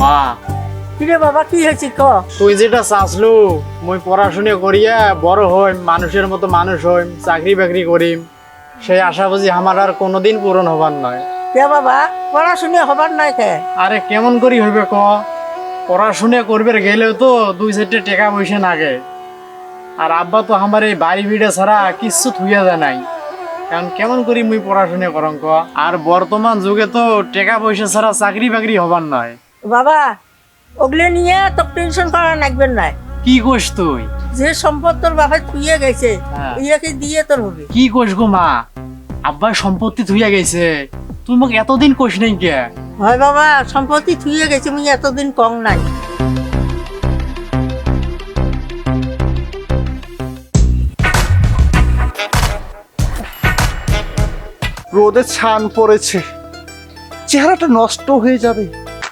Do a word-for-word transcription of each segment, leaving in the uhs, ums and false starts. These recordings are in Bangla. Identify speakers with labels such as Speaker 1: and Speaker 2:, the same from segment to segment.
Speaker 1: মা
Speaker 2: কিরে বাবা কি হয়েছে ক?
Speaker 1: তুই যেটা চাসলু মুই পড়াশুনা করিয়া বড় হইম, মানুষের মতো মানুষ হইম, চাকরি বাকরি করিম, সেই আশা বুঝি আমার আর কোনোদিন পূরণ হবার নয়।
Speaker 2: কে বাবা পড়াশুনে হবার নাই কে?
Speaker 1: আরে কেমন করি হইবে ক? পড়াশুনা করবে গেলেও তো দুই চারটে টাকা পয়সা লাগে, আর আব্বা তো আমার এই বাড়ি ভিড়ে ছাড়া কিচ্ছু থুইয়া যায় নাই। কারণ কেমন করি মুই পড়াশুনা করং ক? আর বর্তমান যুগে তো টাকা পয়সা ছাড়া চাকরি বাকরি হবার নয়।
Speaker 2: বাবা ওগুলো নিয়ে তো টেনশন করা লাগবেন না।
Speaker 1: কি কোস তুই?
Speaker 2: যে সম্পদ তোর বাবা থুয়ে গেছে
Speaker 1: হ্যাঁ।
Speaker 2: ইয়াকে দিয়ে তোর হবে।
Speaker 1: কি কোস গো মা? আব্বার সম্পত্তি থুইয়া গেছে, তুই মোক এতদিন কোস নাই কে?
Speaker 2: হয় বাবা সম্পত্তি থুয়ে গেছে মুই এতদিন কম নাই।
Speaker 3: রোদে ছান পড়েছে, চেহারাটা নষ্ট হয়ে যাবে।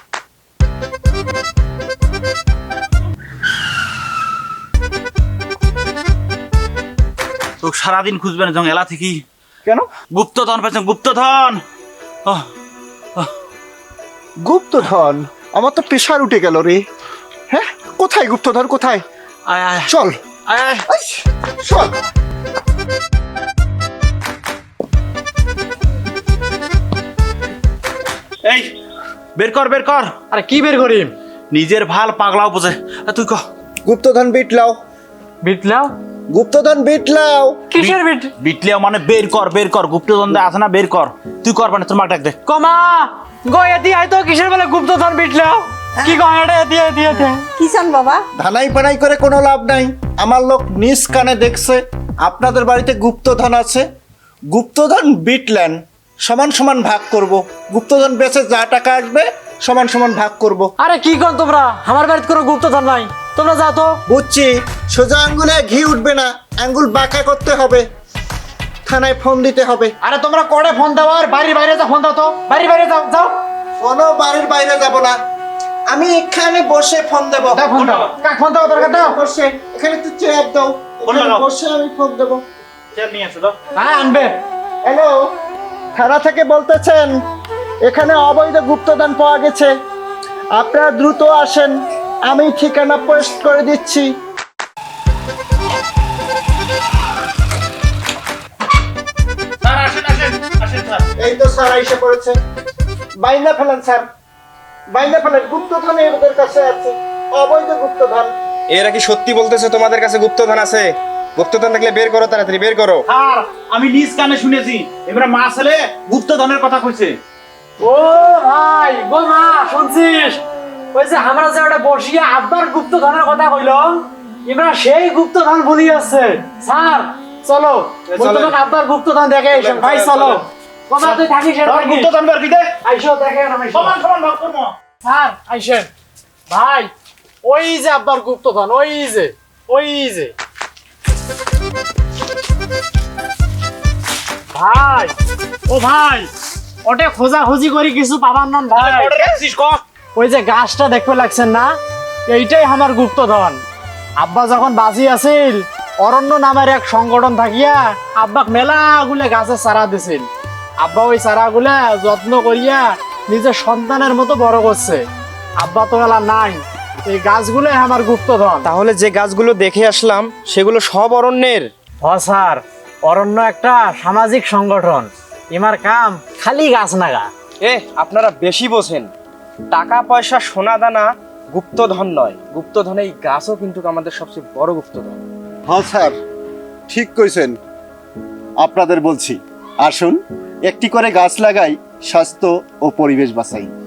Speaker 4: তো সারাদিন খুঁজবেন যখন এলা থেকে
Speaker 3: কেন?
Speaker 4: গুপ্তধন পেয়েছেন, গুপ্তধন। আহ,
Speaker 3: গুপ্তধন? আমার তো প্রেশার উঠে গেল রে। হ্যাঁ, কোথায় গুপ্তধন কোথায়?
Speaker 4: আয় আয়
Speaker 3: চল
Speaker 4: আয় আয়।
Speaker 3: আইস, চল।
Speaker 4: এই বের কর বের কর।
Speaker 1: আরে কি বের করিম?
Speaker 4: নিজের ভাল পাগলাও বোঝে। আ, তুই ক
Speaker 3: গুপ্তধন বিটলাও,
Speaker 1: বিটলাও?
Speaker 3: গুপ্তধন বিটলাও।
Speaker 1: কিসের বিট?
Speaker 4: বিটলিয়া মানে বের কর বের কর। গুপ্তধন দে আছে না, বের কর। তুই কর মানে তোর মাক ডাক দে।
Speaker 1: কমা গো এতি আই তো কিসের বেলা গুপ্তধন বিটলাও? কি কয় এটা এতি এতি এতি?
Speaker 2: কি চান বাবা?
Speaker 3: ধানাই পানাই করে কোনো লাভ নাই। আমার লোক নিজ কানে দেখছে আপনাদের বাড়িতে গুপ্তধন আছে। গুপ্তধন বিটলেন, সমান সমান ভাগ করব। গুপ্তধন বেচে যা টাকা আসবে সমান সমান ভাগ করব।
Speaker 1: আরে কি কর তোমরা? আমার বাড়িতে কোনো গুপ্তধন নাই, তোমরা যাও তো।
Speaker 3: বুঝছি, সোজা আঙ্গুলে ঘি উঠবে না, আঙ্গুল বাঁকা করতে হবে, থানায় ফোন দিতে হবে।
Speaker 1: আরে তোমরা কোড়ে ফোন দাও, আর বাড়ির বাইরে যা ফোন দাও তো। বাড়ির বাইরে যাও যাও।
Speaker 3: কোনো বাড়ির বাইরে যাব না, আমি এখানে বসে ফোন দেব।
Speaker 1: দাও ফোন দাও। কাক ফোন দাও দরকার দাও।
Speaker 3: বসে এখানে একটু চেয়ার দাও,
Speaker 4: ফোন
Speaker 3: এখানে
Speaker 4: লাগাও।
Speaker 3: বসে আমি ফোন দেব।
Speaker 4: চেয়ার নিয়ে আসো তো।
Speaker 1: হ্যাঁ আনবে।
Speaker 3: হ্যালো, থানা থেকে বলতেছেন এখানে অবৈধ গুপ্তধন পাওয়া গেছে, আপনারা দ্রুত আসেন, আমি ঠিকানা পোস্ট করে দিচ্ছি।
Speaker 4: স্যার আসেন আসেন আসেন স্যার।
Speaker 3: এই তো স্যার এসে পড়েছে। বাইনা ফেলেন স্যার, বাইনা ফেলেন। গুপ্তধন এদের কাছে আছে, অবৈধ গুপ্তধন।
Speaker 5: এরা কি সত্যি বলতেছে তোমাদের কাছে গুপ্তধন আছে? গুপ্তধন থাকলে বের করো, তাড়াতাড়ি বের করো।
Speaker 4: স্যার আমি নিজ কানে শুনেছি, এবারে মা ছেলে গুপ্তধনের কথা কইছে।
Speaker 1: ও ভাই গো মা শুনছিস? ওই যে আমরা যে ওটা বসিয়া আব্বার গুপ্তধনের কথা কইল, এবার সেই গুপ্তধন ভুলি আছে। স্যার চলো, বর্তমান আব্বার গুপ্তধন দেখে এসো। ভাই চলো। কমা তুই থাকিস এর
Speaker 4: স্যার,
Speaker 1: থাকিস।
Speaker 4: গুপ্তধন বের দিতে
Speaker 1: আইসো দেখেন আমি।
Speaker 4: সমান সমান ভাগ করবো।
Speaker 1: স্যার আইসেন। ভাই ওই যে আব্বার গুপ্তধন, ওই যে ওই যে ভাই। ও ভাই ওটা খোঁজা খুঁজি করি কিছু পাবার নন ভাই।
Speaker 4: অর্ডার রাখছিস ক।
Speaker 1: ওই যে গাছটা দেখতে লাগছেন না, এইটাই আমার গুপ্তধন। আব্বা যখন বাঁচি আছিল, অরণ্য নামের এক সংগঠন থাকিয়া আব্বাক মেলাগুলা গাছের চারা দিছিল। আব্বা ওই চারাগুলা যত্ন করিয়া নিজের সন্তানের মতো বড় করছে। আব্বা তো এলা নাই, এই গাছগুলোই আমার গুপ্তধন।
Speaker 5: তাহলে যে গাছগুলো দেখে আসলাম সেগুলো সব অরণ্যের?
Speaker 1: হ স্যার, অরণ্য একটা সামাজিক সংগঠন, ইমার কাম খালি গাছ নাগা।
Speaker 5: এ আপনারা বেশি বোঝেন। টাকা পয়সা সোনা দানা গুপ্তধন নয়, গুপ্তধন এই গাছও কিন্তু আমাদের সবচেয়ে বড় গুপ্তধন।
Speaker 3: হ্যাঁ স্যার, ঠিক কইছেন। আপনাদের বলছি, আসুন একটি করে গাছ লাগাই, স্বাস্থ্য ও পরিবেশ বাঁচাই।